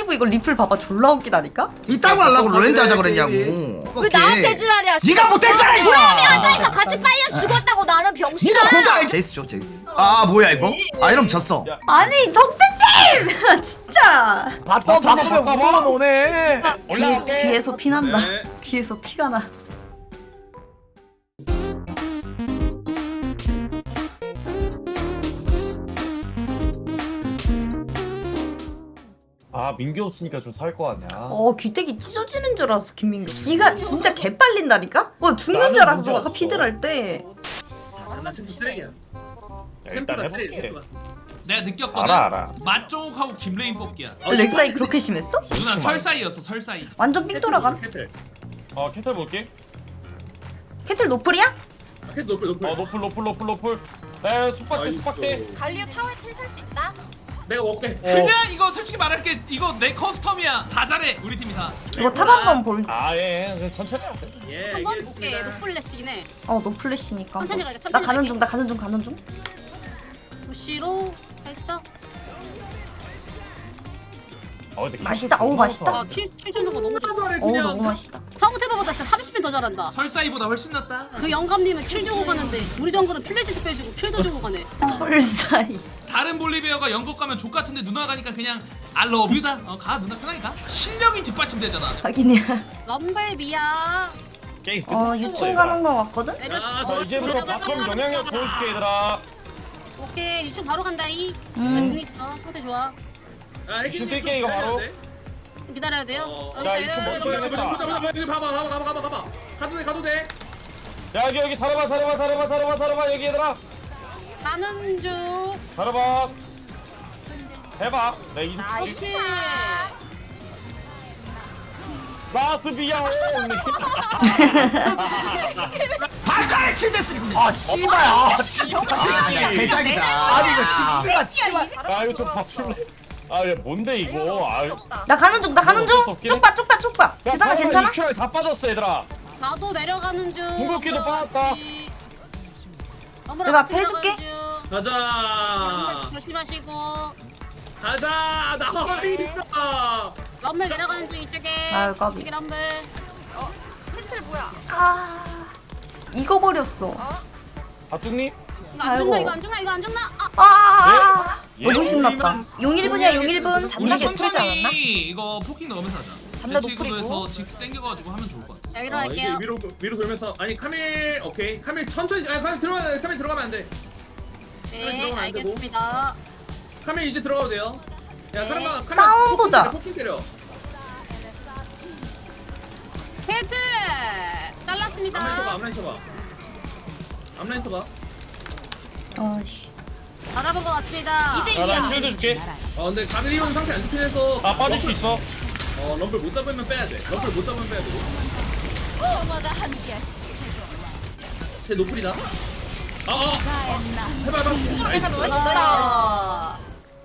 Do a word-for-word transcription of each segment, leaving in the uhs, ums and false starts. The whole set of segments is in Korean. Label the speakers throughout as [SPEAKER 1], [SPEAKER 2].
[SPEAKER 1] 사이브 이거 리플 봐봐 졸라 웃기다니까?
[SPEAKER 2] 이따고 하려고 롤랜드 하자 그랬냐고.
[SPEAKER 3] 왜 나한테 지랄이야?
[SPEAKER 2] 네가 못했잖아 이거.
[SPEAKER 3] 구름이 앉아있어 같이 빨려 죽었다고 나는 병신아.
[SPEAKER 2] 네가 그거 제이스 줘 제이스. 아 뭐야 이거? 아 이러면 졌어.
[SPEAKER 1] 아니 정대님! 진짜
[SPEAKER 4] 바텀 바꾸면 우먼 오네.
[SPEAKER 1] 귀에서, 귀에서 피난다
[SPEAKER 5] 네.
[SPEAKER 1] 귀에서 피가 나.
[SPEAKER 6] 아 민규 없으니까 좀 살 거 아니야.
[SPEAKER 1] 어 귀때기 찢어지는 줄 알았어 김민규. 귀가 진짜 개빨린다니까? 뭐 죽는 줄 알았어 아까 피들 할 때.
[SPEAKER 5] 나 지금 쓰레기야.
[SPEAKER 6] 일단
[SPEAKER 5] 템프가 쓰레기
[SPEAKER 6] 해볼게.
[SPEAKER 5] 템프가.
[SPEAKER 7] 내가 느꼈거든.
[SPEAKER 6] 알아 알아.
[SPEAKER 7] 맛쪽하고 김레인 뽑기야.
[SPEAKER 1] 렉사이 그렇게 심했어?
[SPEAKER 7] 누나 설사이였어 설사이.
[SPEAKER 1] 완전 삥 돌아감.
[SPEAKER 5] 캐틀.
[SPEAKER 6] 어 캐틀 볼게.
[SPEAKER 1] 캐틀 노플이야?
[SPEAKER 5] 아, 캐틀 높을 높을.
[SPEAKER 6] 어 노플 노플 노플 노플. 에 속박대 속박대.
[SPEAKER 3] 갈리오 타워에 텔탈 수 있다?
[SPEAKER 5] 내가 먹게.
[SPEAKER 6] 어.
[SPEAKER 7] 그냥 이거 솔직히 말할게 이거 내 커스텀이야. 다 잘해 우리 팀이 다.
[SPEAKER 1] 이거 탑 한번 볼.
[SPEAKER 6] 아예 예. 천천히 하세요.
[SPEAKER 5] 예.
[SPEAKER 3] 한번 볼게. 노플래시긴 해.
[SPEAKER 1] 어 노플래시니까.
[SPEAKER 3] 천천히 가자, 천천히
[SPEAKER 1] 나 가는
[SPEAKER 3] 갈게.
[SPEAKER 1] 중 나 가는 중 가는 중.
[SPEAKER 3] 부시로 살짝.
[SPEAKER 6] 어, 근데
[SPEAKER 1] 맛있다.
[SPEAKER 6] 캐틀
[SPEAKER 1] 어우, 맛있다.
[SPEAKER 6] 존나
[SPEAKER 3] 아킬 킬 주는 거 너무 좋아.
[SPEAKER 1] 어우 너무 맛있다.
[SPEAKER 3] 성태보다 진짜 삼십 배 더 잘한다.
[SPEAKER 7] 설사이보다 훨씬 낫다.
[SPEAKER 3] 그 영감님은 킬 주고 가는데 우리 정글은 플래시도 빼주고 킬도 주고 가네.
[SPEAKER 1] 설사이.
[SPEAKER 7] 다른 볼리베어가 영국 가면 족 같은데 누나 가니까 그냥 I love you다. 어가 누나 편하게 가. 실력이 뒷받침되잖아.
[SPEAKER 1] 하긴이야.
[SPEAKER 3] 럼블비야.
[SPEAKER 6] 게임
[SPEAKER 1] 어
[SPEAKER 6] 끝났어,
[SPEAKER 1] 유충
[SPEAKER 6] 얘들아.
[SPEAKER 1] 가는 거 같거든?
[SPEAKER 3] 내렸어.
[SPEAKER 6] 자 이제부터 바텀 영향력 보여줄게 얘들아.
[SPEAKER 3] 오케이 유충 바로 간다이.
[SPEAKER 1] 음.
[SPEAKER 3] 공 있어. 상태 좋아.
[SPEAKER 5] 아,
[SPEAKER 6] 슛 뛸게, 이거 바로.
[SPEAKER 3] 기다려야 돼요.
[SPEAKER 5] 어.
[SPEAKER 3] 여기
[SPEAKER 6] 야,
[SPEAKER 3] 있다,
[SPEAKER 6] 유충
[SPEAKER 3] 여기
[SPEAKER 6] 멈춰.
[SPEAKER 3] 있다.
[SPEAKER 5] 보자 보자 보자 여기 봐봐 봐봐 봐봐 봐봐 봐봐. 가도 돼 가도 돼.
[SPEAKER 6] 야 여기 여기 살아봐 살아봐 살아봐 살아봐 살아봐 여기 얘들아.
[SPEAKER 3] 가는 중.
[SPEAKER 6] 살아봐. 해봐. 내 이.
[SPEAKER 3] 나이스.
[SPEAKER 6] 라스 비야.
[SPEAKER 2] 발가락 칠 됐으니.
[SPEAKER 4] 아 씨발. 아 진짜.
[SPEAKER 2] 아 대장이다.
[SPEAKER 4] 아니 이거 집수가 씨발.
[SPEAKER 6] 아 이거 좀 받칠래. 아야 뭔데 이거. 아.
[SPEAKER 1] 나 가는 중 나 가는 중. 쪽봐 쪽봐 쪽봐. 괜찮아 괜찮아?
[SPEAKER 6] 큐알 다 빠졌어 얘들아.
[SPEAKER 3] 나도 내려가는 중.
[SPEAKER 6] 궁극기도 빠졌다.
[SPEAKER 1] 내가 해줄게.
[SPEAKER 5] 가자.
[SPEAKER 3] 조심하시고.
[SPEAKER 5] 가자. 나이스.
[SPEAKER 3] 럼블 내려가는 중 이쪽에.
[SPEAKER 1] 아유, 까비.
[SPEAKER 3] 이쪽에 럼블.
[SPEAKER 1] 아 이거 버렸어.
[SPEAKER 6] 아뚱님?
[SPEAKER 3] 이거 안
[SPEAKER 1] 아이고.
[SPEAKER 3] 죽나 이거 안 죽나 이거 안 죽나. 아.
[SPEAKER 1] 아
[SPEAKER 6] 예?
[SPEAKER 1] 너무 신났다. 용 일 분이야 용 일 분.
[SPEAKER 7] 우리
[SPEAKER 1] 이게 풀지 않았나?
[SPEAKER 7] 천천히 이거 포킹 넣으면서 하자.
[SPEAKER 3] 담배
[SPEAKER 7] 배치구도에서
[SPEAKER 3] 노플이고.
[SPEAKER 7] 직스 땡겨가지고 하면 좋을 것 같아.
[SPEAKER 3] 자 위로
[SPEAKER 5] 어, 이제
[SPEAKER 3] 할게요.
[SPEAKER 5] 위로 위로 돌면서 아니 카밀 오케이 카밀 천천히 아니 카밀 들어가 카밀 들어가면 안 돼.
[SPEAKER 3] 네
[SPEAKER 5] 들어가면 안 되고.
[SPEAKER 3] 알겠습니다.
[SPEAKER 5] 카밀 이제 들어가도 돼요. 야
[SPEAKER 3] 네.
[SPEAKER 5] 카밀 카밀
[SPEAKER 1] 싸움
[SPEAKER 5] 포킹
[SPEAKER 1] 보자.
[SPEAKER 5] 때려, 포킹 때려.
[SPEAKER 3] 헤드
[SPEAKER 5] 앞라인 쳐봐
[SPEAKER 3] 잘랐습니다.
[SPEAKER 5] 앞라인 쳐봐. 앞라인 쳐봐.
[SPEAKER 1] 아씨.
[SPEAKER 3] 받아본 것 같습니다.
[SPEAKER 6] 야나 쉴드 줄게.
[SPEAKER 5] 어 근데 가밀리온 상태 안 좋긴 해서.
[SPEAKER 6] 아 빠질 수 있어.
[SPEAKER 5] 어 럼블 못 잡으면 빼야 돼. 럼블 못 잡으면 빼야 돼. 쟤 노플이다. 아 어. 해봐 해봐. 나이스.
[SPEAKER 3] 아,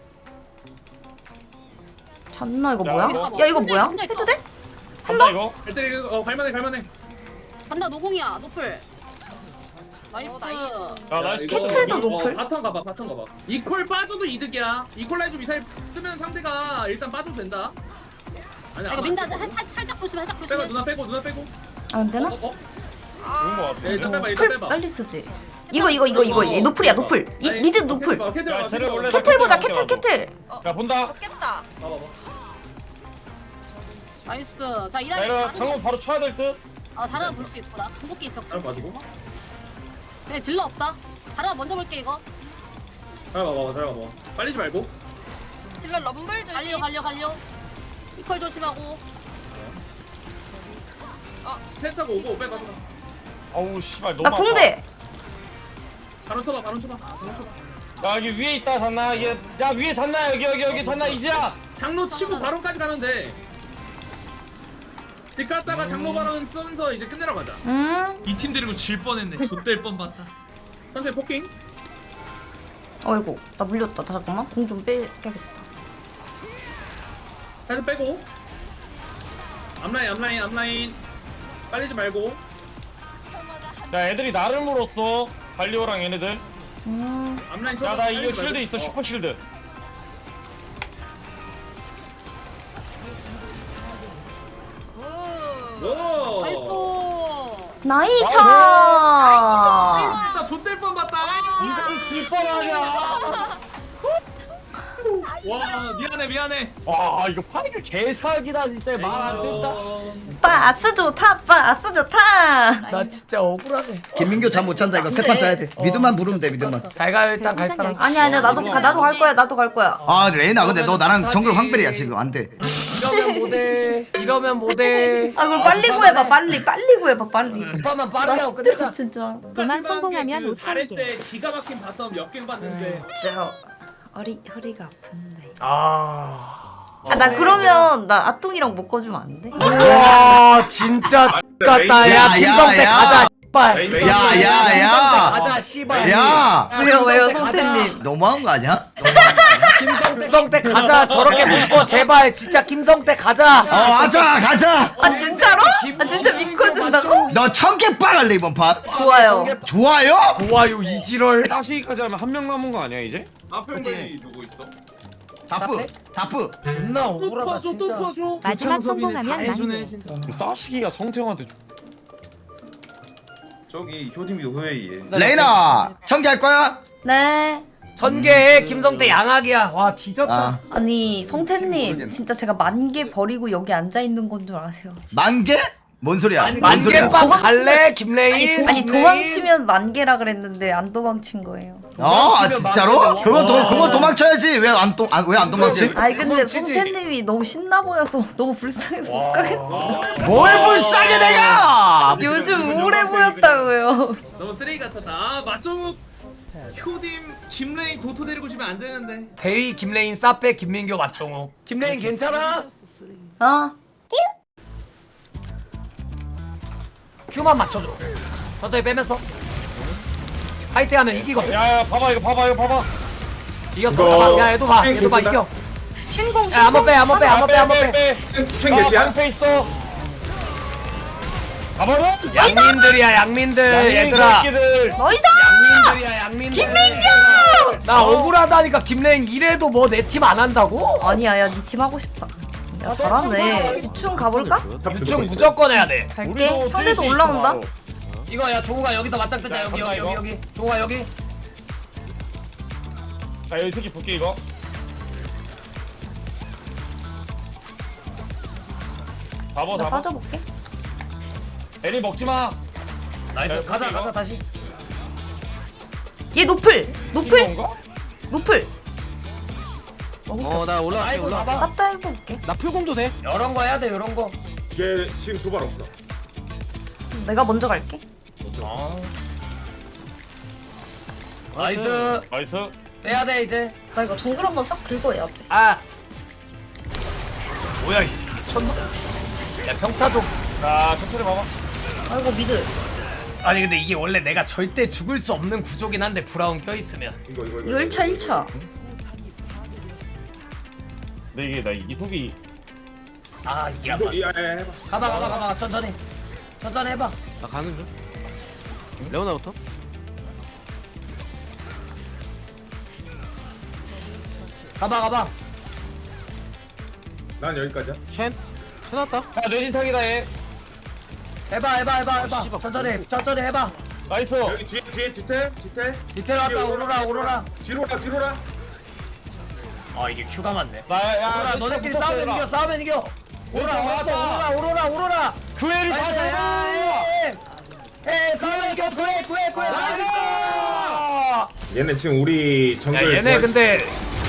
[SPEAKER 1] 잤나 이거
[SPEAKER 6] 야,
[SPEAKER 1] 뭐야?
[SPEAKER 6] 이거.
[SPEAKER 1] 야 이거 뭐야?
[SPEAKER 3] 혼자 있다.
[SPEAKER 1] 해도 돼?
[SPEAKER 6] 간다 이거.
[SPEAKER 5] 잘 때리고 어 갈만해 갈만해.
[SPEAKER 3] 간다 노공이야 노플. 나이스.
[SPEAKER 6] 야나
[SPEAKER 5] 이거
[SPEAKER 1] 캐틀도
[SPEAKER 5] 이-
[SPEAKER 1] 노플?
[SPEAKER 5] 어, 바텀 가봐 바텀 가봐. 이퀄 빠져도 이득이야. 이퀄라이즈 미사일 쓰면 상대가 일단 빠져도 된다. 아니
[SPEAKER 3] 이거 민다 살, 살, 살짝 조심해 살짝
[SPEAKER 5] 빼고
[SPEAKER 3] 조심해.
[SPEAKER 5] 누나 빼고 누나 빼고.
[SPEAKER 1] 안 되나?
[SPEAKER 5] 어, 어, 어.
[SPEAKER 6] 좋은 거 같아.
[SPEAKER 5] 야, 일단 빼봐 일단
[SPEAKER 1] 풀
[SPEAKER 5] 빼봐.
[SPEAKER 1] 빨리 쓰지. 이거 이거 이거 이거 얘 노플이야 노플. 이
[SPEAKER 5] 아니,
[SPEAKER 1] 미드
[SPEAKER 5] 어,
[SPEAKER 1] 노플.
[SPEAKER 5] 캐틀 봐, 캐틀
[SPEAKER 6] 야,
[SPEAKER 5] 봐,
[SPEAKER 6] 쟤네
[SPEAKER 5] 캐틀 봐.
[SPEAKER 6] 원래
[SPEAKER 1] 캐틀 보자 캐틀 캐틀.
[SPEAKER 6] 야 본다.
[SPEAKER 5] 봐봐 봐.
[SPEAKER 3] 나이스. 자
[SPEAKER 6] 야
[SPEAKER 3] 이다리
[SPEAKER 6] 이거 장군 바로 쳐야 될 듯.
[SPEAKER 3] 아 다르가 볼 수 있구나. 궁극기 있어.
[SPEAKER 5] 잘 봐주고.
[SPEAKER 3] 근데 딜러 없다. 다르가 먼저 볼게 이거.
[SPEAKER 5] 잘 봐봐 잘 봐봐. 빨리지 말고.
[SPEAKER 3] 딜러 럼블 조심. 갈려 갈려 갈려. 이퀄 조심하고.
[SPEAKER 5] 패스하고 오고 빼 가자.
[SPEAKER 6] 어우 씨발 너무
[SPEAKER 1] 나
[SPEAKER 6] 아파.
[SPEAKER 1] 궁대.
[SPEAKER 5] 바로 쳐봐 바로 쳐봐. 바로 쳐봐.
[SPEAKER 6] 야 여기 위에 있다 잔나. 얘, 야 위에 잔나 여기 여기 여기 잔나 이지야.
[SPEAKER 5] 장로 치고 바로까지 가면 돼. 집 갔다가 장로 바로 쓰면서 이제 끝내러 가자.
[SPEAKER 1] 음.
[SPEAKER 7] 이 팀 데리고 질 뻔했네. 좆될 뻔봤다.
[SPEAKER 5] 천천히 포킹.
[SPEAKER 1] 어이구 나 물렸다. 잠깐만 공 좀 빼야겠다.
[SPEAKER 5] 살짝 빼고. 앞라인 앞라인 앞라인. 빨리지 말고.
[SPEAKER 6] 야 애들이 나를 물었어. 갈리오랑 얘네들.
[SPEAKER 1] 음.
[SPEAKER 5] 앞라인 쳐봐.
[SPEAKER 6] 야 나 이거
[SPEAKER 5] 빨리지
[SPEAKER 6] 쉴드
[SPEAKER 5] 말고.
[SPEAKER 6] 있어
[SPEAKER 5] 어.
[SPEAKER 6] 슈퍼 쉴드.
[SPEAKER 1] 나이차.
[SPEAKER 5] 나 좆될 뻔 봤다.
[SPEAKER 6] 이건 질 뻔하냐.
[SPEAKER 7] 와 미안해 미안해.
[SPEAKER 6] 와 이거 파이크 개사기다 진짜 말 안 된다.
[SPEAKER 1] 바스 좋다. 바스 좋다.
[SPEAKER 4] 나 진짜 억울하네.
[SPEAKER 2] 김민규 잠 못 잔다 이거 세 판 짜야 돼. 미드만 부르면 돼 미드만.
[SPEAKER 4] 잘 가요 일단 갈 사람.
[SPEAKER 1] 아니 아니야 나도 가, 나도 갈 거야. 나도 갈 거야.
[SPEAKER 2] 아 레이나 근데 너 나랑 정글 황벨이야 지금 안 돼.
[SPEAKER 4] 이러면 못해. 이러면 못해.
[SPEAKER 1] 아 그걸 빨리 구해봐. 빨리 빨리 구해봐. 빨리.
[SPEAKER 4] 오빠만
[SPEAKER 1] 나
[SPEAKER 4] 빠르게 하고
[SPEAKER 1] 힘들어
[SPEAKER 4] 끝내자.
[SPEAKER 1] 진짜.
[SPEAKER 8] 도만 성공하면
[SPEAKER 5] 그
[SPEAKER 8] 오천 개.
[SPEAKER 5] 때 기가 막힌 바텀 역갱 봤는데.
[SPEAKER 1] 진짜 허리 허리가 아픈데.
[SPEAKER 4] 아.
[SPEAKER 1] 아 나 그러면 나 아똥이랑 묶어주면 안 돼?
[SPEAKER 4] 와 진짜 X같다. 야
[SPEAKER 2] 야,
[SPEAKER 4] 김성태
[SPEAKER 2] 야,
[SPEAKER 4] 가자.
[SPEAKER 2] 야.
[SPEAKER 4] 씨발.
[SPEAKER 2] 야, 야, 야.
[SPEAKER 4] 가자 씨발.
[SPEAKER 2] 야
[SPEAKER 1] 왜요 왜요
[SPEAKER 4] 가자.
[SPEAKER 1] 성태님?
[SPEAKER 2] 너무한 거 아니야?
[SPEAKER 4] 김성태 가자. 저렇게 묶어 제발. 진짜 김성태 가자.
[SPEAKER 2] 어 가자 가자.
[SPEAKER 1] 아 진짜로? 아 진짜 믿고준다고?
[SPEAKER 2] 너 천개 빨갈래 이번 판.
[SPEAKER 1] 좋아요.
[SPEAKER 2] 좋아요?
[SPEAKER 4] 좋아요 이지럴.
[SPEAKER 6] 다시까지 하면 한 명 남은 거 아니야 이제?
[SPEAKER 5] 앞편이 누구 있어?
[SPEAKER 2] 다프 다프.
[SPEAKER 4] 존나
[SPEAKER 5] 또
[SPEAKER 4] 억울하다
[SPEAKER 5] 퍼줘 또
[SPEAKER 4] 진짜.
[SPEAKER 5] 퍼줘.
[SPEAKER 8] 마지막 성공하면 만 개.
[SPEAKER 4] 진짜.
[SPEAKER 6] 싸시기가 성태형한테
[SPEAKER 9] 저기 효dim이도 회의에.
[SPEAKER 2] 레이나 천개 할 거야?
[SPEAKER 1] 네.
[SPEAKER 4] 전개 김성태 양악이야. 와 뒤졌다.
[SPEAKER 2] 아
[SPEAKER 1] 아니 성태님 진짜 제가 만 개 버리고 여기 앉아 있는 건 줄 아세요?
[SPEAKER 2] 만 개? 뭔 소리야? 뭔 소리야?
[SPEAKER 4] 만개빵 갈래 김레인?
[SPEAKER 1] 아니 도망치면 만 개라 그랬는데 안 도망친 거예요.
[SPEAKER 2] 어? 아 진짜로? 그거 도 그거 도망쳐야지 왜 안 도 왜 안 도망치?
[SPEAKER 1] 아니 근데
[SPEAKER 4] 도망치지.
[SPEAKER 1] 성태님이 너무 신나 보여서 너무 불쌍해서 못 가겠어.
[SPEAKER 2] 뭘 불쌍해 내가?
[SPEAKER 1] 요즘 우울해 보였다고요.
[SPEAKER 5] 너무 쓰레기 같았다. 아 맞종욱 효dim김레인 도토 데리고 오시면 안 되는데.
[SPEAKER 4] 대위 김레인 사페 김민교 맞종욱. 김레인 괜찮아?
[SPEAKER 1] 어?
[SPEAKER 4] 큐만 맞춰줘. 천천히 빼면서. 파이팅하면 이기거든.
[SPEAKER 6] 야야 봐봐 이거 봐봐 이거 봐봐.
[SPEAKER 4] 이겼어. 봐봐. 야 얘도 봐. 얘도 봐 이겨.
[SPEAKER 1] 신공
[SPEAKER 4] 야 한번 빼. 한번 빼. 한번 빼. 한번 빼.
[SPEAKER 6] 아 방패 있어. 봐봐봐.
[SPEAKER 4] 양민들이야 양민들. 얘들아.
[SPEAKER 6] 새끼들.
[SPEAKER 1] 나이스!
[SPEAKER 4] 양민들이야 양민들. 김민교. 나 억울하다니까 김레인 이래도 뭐 내 팀 안 한다고?
[SPEAKER 1] 아니야 야니 팀 하고 싶다. 야 잘하네. 유충 가볼까?
[SPEAKER 4] 유충 무조건 해야 돼.
[SPEAKER 1] 갈게. 상대도 올라온다.
[SPEAKER 4] 이거 야 종우가 여기서 맞짱 뜨자. 여기 여기 여기 여기. 종우가 여기.
[SPEAKER 6] 자 여기 새끼 볼게 이거. 잡어
[SPEAKER 1] 나
[SPEAKER 6] 잡어.
[SPEAKER 1] 빠져볼게.
[SPEAKER 6] 애니 먹지 마.
[SPEAKER 4] 나이스. 가자 가자 다시.
[SPEAKER 1] 얘 노플! 노플!
[SPEAKER 6] 이건가?
[SPEAKER 1] 노플!
[SPEAKER 10] 어 나 올라갈게
[SPEAKER 4] 아이고
[SPEAKER 10] 올라.
[SPEAKER 4] 봐봐.
[SPEAKER 1] 따따 해볼게.
[SPEAKER 10] 나 표공도 돼?
[SPEAKER 4] 이런 거 해야 돼 이런 거.
[SPEAKER 9] 얘 지금 도발 없어.
[SPEAKER 1] 내가 먼저 갈게.
[SPEAKER 4] 어. 나이스.
[SPEAKER 6] 나이스.
[SPEAKER 4] 빼야 돼 이제.
[SPEAKER 1] 나 이거 정글 한번 싹 긁어야 돼.
[SPEAKER 4] 아. 뭐야 이 새끼 미쳤나? 야 평타 좀.
[SPEAKER 6] 자 천천히 봐봐.
[SPEAKER 1] 아이고 미드.
[SPEAKER 4] 아니 근데 이게 원래 내가 절대 죽을 수 없는 구조긴 한데 브라운 껴있으면.
[SPEAKER 9] 이거 이거
[SPEAKER 1] 이거 일 차 일 차.
[SPEAKER 6] 근데 이게 나 이속이
[SPEAKER 4] 아 이게 안
[SPEAKER 9] 이거
[SPEAKER 4] 맞.
[SPEAKER 9] 이 예, 해봐.
[SPEAKER 4] 가봐 가봐 가봐 천천히. 천천히 해봐.
[SPEAKER 10] 나 가는 중. 레오나부터?
[SPEAKER 4] 가봐 가봐.
[SPEAKER 9] 난 여기까지야.
[SPEAKER 10] 쉔? 쳐놨다.
[SPEAKER 6] 야 뇌진탕이다 얘.
[SPEAKER 4] 해봐 해봐 해봐 해봐.
[SPEAKER 10] 씨발,
[SPEAKER 4] 천천히 천천히 해봐.
[SPEAKER 6] 나이스.
[SPEAKER 9] 여기 뒤에 뒤에 뒤태 뒤태.
[SPEAKER 4] 디테일 왔다 오로라 오로라.
[SPEAKER 9] 뒤로라 뒤로라.
[SPEAKER 4] 아 이게 큐가 많네.
[SPEAKER 6] 나야
[SPEAKER 4] 오로라 너네끼리 싸우면 이겨 싸우면 이겨. 오로라 오로라 오로라 오로라.
[SPEAKER 6] 그 애를 다 잡아.
[SPEAKER 4] 에 싸우면 이겨 구해 구해 구해.
[SPEAKER 9] 얘네 지금 우리
[SPEAKER 4] 야
[SPEAKER 9] 정글.
[SPEAKER 4] 얘네
[SPEAKER 9] 좋아해.
[SPEAKER 4] 근데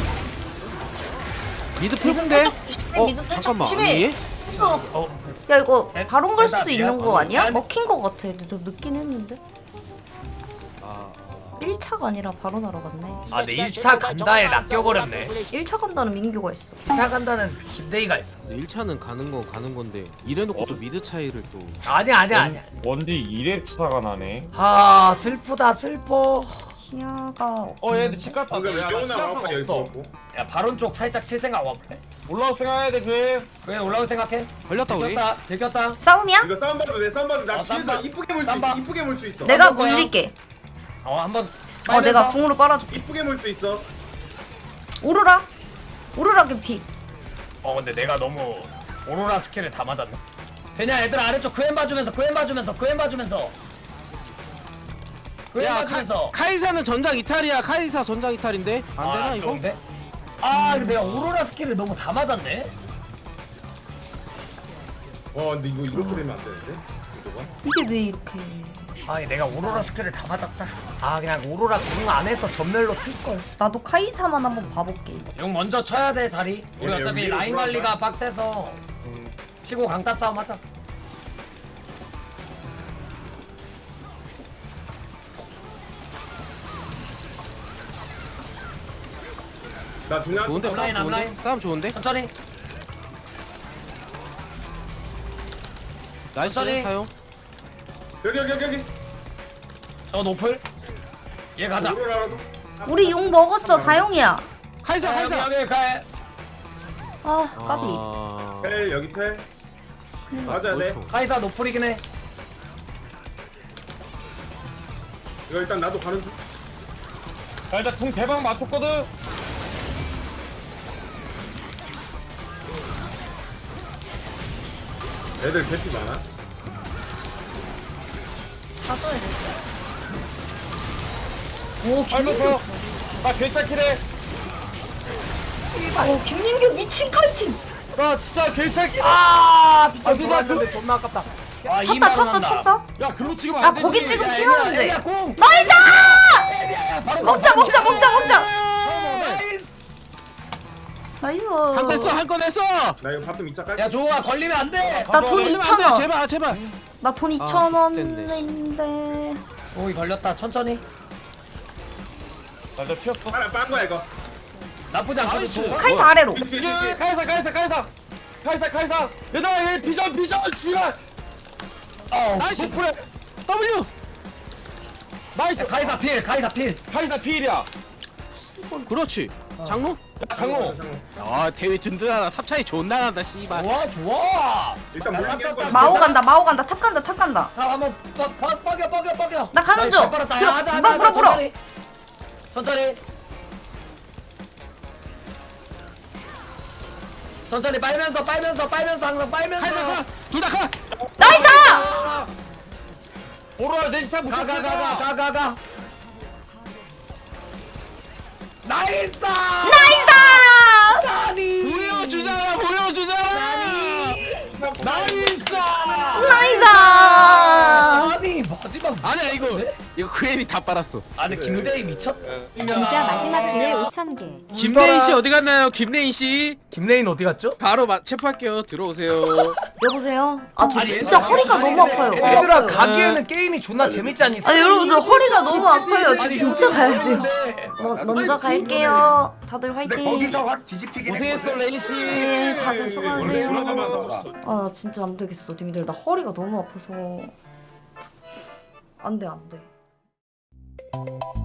[SPEAKER 10] 미드 표공돼? 어
[SPEAKER 1] 미드 살짝
[SPEAKER 10] 잠깐만.
[SPEAKER 1] 조심해.
[SPEAKER 10] 아니 얘?
[SPEAKER 4] 어
[SPEAKER 1] 야 이거
[SPEAKER 4] 에?
[SPEAKER 1] 바론 걸 수도
[SPEAKER 4] 일단
[SPEAKER 1] 있는
[SPEAKER 4] 미안.
[SPEAKER 1] 거 아니야?
[SPEAKER 4] 미안.
[SPEAKER 1] 먹힌 거 같아. 근데 좀 늦긴 했는데.
[SPEAKER 10] 아
[SPEAKER 1] 일 차가 아니라 바로 나러 갔네.
[SPEAKER 4] 아 근데 일 차 간다에 낚여버렸네.
[SPEAKER 1] 일 차 간다는 민규가 있어.
[SPEAKER 4] 이 차 간다는 김대희가 있어.
[SPEAKER 10] 일 차는 가는 건 가는 건데 이래놓고 또 미드 차이를 또.
[SPEAKER 4] 아니야 아니야 아니야.
[SPEAKER 6] 원디 이 렙 차가 나네.
[SPEAKER 4] 아 슬프다 슬퍼.
[SPEAKER 1] 희야가
[SPEAKER 6] 어 얘들 집 갔다.
[SPEAKER 9] 방금
[SPEAKER 6] 야, 나
[SPEAKER 9] 레오나
[SPEAKER 6] 시야상
[SPEAKER 9] 마우카이 여기
[SPEAKER 6] 없어.
[SPEAKER 9] 있고.
[SPEAKER 4] 야 바론 쪽 살짝 칠 생각 와볼래?
[SPEAKER 6] 올라올 생각해야 돼 그래.
[SPEAKER 4] 그래 올라올 생각해.
[SPEAKER 10] 걸렸다 우리.
[SPEAKER 4] 들켰다 들켰다.
[SPEAKER 1] 싸움이야?
[SPEAKER 9] 이거 싸움 봐도 돼. 싸움 봐도 돼. 나
[SPEAKER 4] 어, 싸움
[SPEAKER 9] 뒤에서
[SPEAKER 4] 봐.
[SPEAKER 9] 이쁘게 물 수
[SPEAKER 4] 싸움
[SPEAKER 9] 있어.
[SPEAKER 4] 봐.
[SPEAKER 9] 이쁘게 물 수 있어.
[SPEAKER 1] 내가
[SPEAKER 4] 어떤 거야?
[SPEAKER 1] 물릴게.
[SPEAKER 4] 어 한번.
[SPEAKER 1] 어 내가 궁으로 빨아줄게.
[SPEAKER 9] 이쁘게 물 수 있어.
[SPEAKER 1] 오로라. 오로라 개피.
[SPEAKER 4] 어 근데 내가 너무 오로라 스킬을 다 맞았나? 그냥 애들 아래쪽 그앤 봐주면서 그앤 봐주면서 그앤 봐주면서 그앤
[SPEAKER 10] 야
[SPEAKER 4] 봐주면서.
[SPEAKER 10] 카, 카이사는 전장 이탈이야. 카이사 전장 이탈인데 안 되나 이거?
[SPEAKER 4] 좋은데? 아 근데 내가 오로라 스킬을 너무 다 맞았네.
[SPEAKER 9] 와 근데 이거 이렇게 되면 안 되는데? 이거가?
[SPEAKER 1] 이게 왜 이렇게?
[SPEAKER 4] 아 내가 오로라 스킬을 다 맞았다. 아 그냥 오로라 궁 안에서 전멸로 틀걸.
[SPEAKER 1] 나도 카이사만 한번 봐볼게.
[SPEAKER 4] 용 먼저 쳐야 돼 자리. 우리
[SPEAKER 9] 여기,
[SPEAKER 4] 어차피
[SPEAKER 9] 여기로
[SPEAKER 4] 라인
[SPEAKER 9] 들어갈까?
[SPEAKER 4] 관리가 빡세서 치고 강타 싸움 하자.
[SPEAKER 9] 나 두냐?
[SPEAKER 10] 좋은데
[SPEAKER 4] 앞라인,
[SPEAKER 10] 싸움 좋은데?
[SPEAKER 4] 앞라인.
[SPEAKER 10] 싸움 좋은데?
[SPEAKER 4] 천천히.
[SPEAKER 10] 나이스
[SPEAKER 4] 천천히.
[SPEAKER 10] 사용.
[SPEAKER 9] 여기 여기 여기 여기.
[SPEAKER 4] 저 노플. 얘 가자.
[SPEAKER 9] 오로라라도.
[SPEAKER 1] 우리 용 먹었어 사용이야.
[SPEAKER 10] 카이사
[SPEAKER 4] 자, 여기
[SPEAKER 10] 카이사.
[SPEAKER 4] 여기 가.
[SPEAKER 1] 아 까비.
[SPEAKER 10] 아...
[SPEAKER 9] 텔 여기 텔. 맞아야 돼.
[SPEAKER 10] 그렇죠.
[SPEAKER 4] 카이사 노플이긴 해.
[SPEAKER 9] 이거 일단 나도 가는 중.
[SPEAKER 6] 자 일단 궁 대박 맞췄거든.
[SPEAKER 9] 애들 개피 많아.
[SPEAKER 1] 가져야 돼. 오
[SPEAKER 6] 알면서
[SPEAKER 1] 김민규.
[SPEAKER 6] 나 괜찮긴 해.
[SPEAKER 1] 오 김민규 미친 칼팀.
[SPEAKER 6] 나 진짜 괜찮긴 해.
[SPEAKER 4] 아 비켜
[SPEAKER 6] 아니, 나
[SPEAKER 4] 돌았는데 존나 아깝다. 야,
[SPEAKER 1] 쳤다
[SPEAKER 4] 이만
[SPEAKER 1] 쳤어
[SPEAKER 4] 원한다.
[SPEAKER 1] 쳤어.
[SPEAKER 6] 야 글로 찍으면
[SPEAKER 1] 아
[SPEAKER 6] 안 되지.
[SPEAKER 1] 거기 지금
[SPEAKER 4] 야,
[SPEAKER 1] 튀었는데.
[SPEAKER 4] 애기야, 공.
[SPEAKER 1] 나이스!
[SPEAKER 4] 애기야, 바로
[SPEAKER 1] 먹자
[SPEAKER 4] 공.
[SPEAKER 1] 먹자 먹자 먹자.
[SPEAKER 4] 나이스.
[SPEAKER 1] 나이스.
[SPEAKER 10] 한 건 했어 한 건 했어.
[SPEAKER 9] 나 이거 밥좀 이차 깔게.
[SPEAKER 4] 야 좋아 걸리면 안 돼.
[SPEAKER 1] 나 돈
[SPEAKER 10] 걸리면 안
[SPEAKER 1] 이천
[SPEAKER 10] 돼,
[SPEAKER 1] 원.
[SPEAKER 10] 제발 제발.
[SPEAKER 1] 나 돈
[SPEAKER 10] 아,
[SPEAKER 1] 이천
[SPEAKER 10] 됐네.
[SPEAKER 1] 원인데.
[SPEAKER 4] 오이 걸렸다 천천히.
[SPEAKER 6] 나저 피었어.
[SPEAKER 9] 하나 빤 거야 이거.
[SPEAKER 4] 나쁘지 않거든.
[SPEAKER 10] 나이스.
[SPEAKER 4] 좋아.
[SPEAKER 1] 카이사 아래로.
[SPEAKER 9] 뒤, 뒤, 뒤,
[SPEAKER 6] 야,
[SPEAKER 9] 뒤.
[SPEAKER 6] 카이사 카이사 카이사 카이사 카이사. 얘들아 얘 비전 비전 씨발.
[SPEAKER 4] 어,
[SPEAKER 10] 나이스.
[SPEAKER 4] 씨.
[SPEAKER 10] 풀에 W.
[SPEAKER 6] 나이스.
[SPEAKER 4] 카이사 필 카이사 필.
[SPEAKER 6] 카이사 필이야.
[SPEAKER 10] 그렇지. 장로?
[SPEAKER 6] 야 장로.
[SPEAKER 10] 아 대회 든든하다. 탑 차이 존나 난다 씨발.
[SPEAKER 4] 좋아 좋아.
[SPEAKER 9] 일단 물리게 할 거야.
[SPEAKER 1] 마오 간다 마오 간다 탑 간다 탑 간다.
[SPEAKER 4] 자 한번 뻐- 뻐- 뻐겨 뻐겨 뻐겨.
[SPEAKER 1] 나 가는
[SPEAKER 4] 나이스,
[SPEAKER 1] 중.
[SPEAKER 4] 잘 빨았다.
[SPEAKER 1] 들어,
[SPEAKER 4] 야, 하자,
[SPEAKER 1] 물어,
[SPEAKER 4] 하자,
[SPEAKER 1] 물어, 물어.
[SPEAKER 4] 천천히. 천천히. 천천히 빨면서 빨면서 빨면서 항상 빨면서.
[SPEAKER 10] 카이사 가. 둘다 가.
[SPEAKER 1] 나이스!
[SPEAKER 6] 오로라 내지타 못
[SPEAKER 4] 가 가 가 가
[SPEAKER 6] 쳤어.
[SPEAKER 4] 가 가가. 나이스!
[SPEAKER 1] 나이스!
[SPEAKER 4] 나니.
[SPEAKER 10] 보여주잖아 보여주잖아.
[SPEAKER 4] 나이스!
[SPEAKER 1] 나이스!
[SPEAKER 4] 아니 마지막.
[SPEAKER 10] 아니야 이거 이거 크레인이 다 빨았어.
[SPEAKER 4] 아 근데 김대희 미쳤다.
[SPEAKER 8] 진짜 마지막 기회 오천 개.
[SPEAKER 10] 김레인 씨 어디 갔나요? 김레인 씨
[SPEAKER 4] 김레인 어디 갔죠?
[SPEAKER 10] 바로 마, 체포할게요. 들어오세요.
[SPEAKER 1] 여보세요? 아 저
[SPEAKER 4] 아니,
[SPEAKER 1] 진짜
[SPEAKER 4] 얘들아,
[SPEAKER 1] 허리가 너무 아파요. 허리
[SPEAKER 4] 얘들아
[SPEAKER 1] 아파요.
[SPEAKER 4] 가기에는 게임이 존나 재밌지 않니?
[SPEAKER 1] 아니 여러분 저 허리가 너무 아파요. 저
[SPEAKER 4] 아니,
[SPEAKER 1] 진짜 가야 돼요.
[SPEAKER 4] 근데
[SPEAKER 1] 뭐, 먼저 갈게요. 다들 화이팅.
[SPEAKER 4] 확 뒤집히긴
[SPEAKER 6] 고생했어 레인 씨.
[SPEAKER 1] 네, 다들 수고하세요.
[SPEAKER 9] 수고하세요.
[SPEAKER 1] 아, 나 진짜 안 되겠어, 님들. 나 허리가 너무 아파서. 안 돼, 안 돼.